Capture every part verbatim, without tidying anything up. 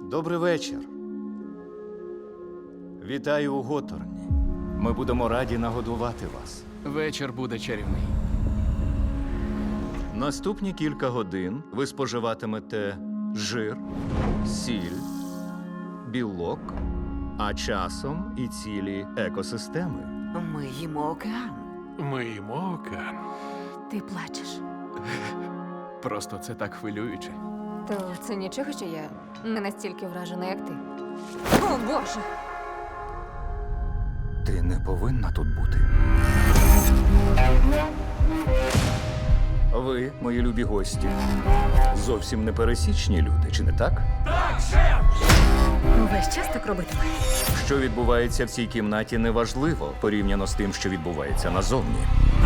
Добрий вечір. Вітаю у Готорні. Ми будемо раді нагодувати вас. Вечір буде чарівний. Наступні кілька годин ви споживатимете жир, сіль, білок, а часом і цілі екосистеми. Ми їмо океан. Ми їмо океан. Ти плачеш. Просто це так хвилююче. То це нічого, що я не настільки вражена, як ти. О, Боже! Ти не повинна тут бути. Ви, мої любі гості, зовсім не пересічні люди, чи не так? Весь час так робитиме. Що відбувається в цій кімнаті, неважливо порівняно з тим, що відбувається назовні.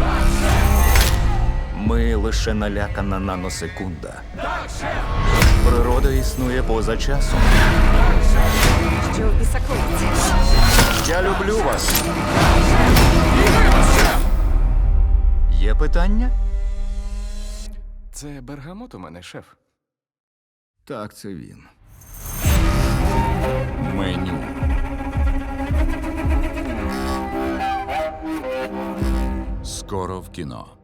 Ми лише налякана наносекунда. Природа існує поза часом. Що в біса коїться? Я люблю вас. Є питання? Це бергамот у мене, шеф. Так, це він. Меню. Скоро в кіно.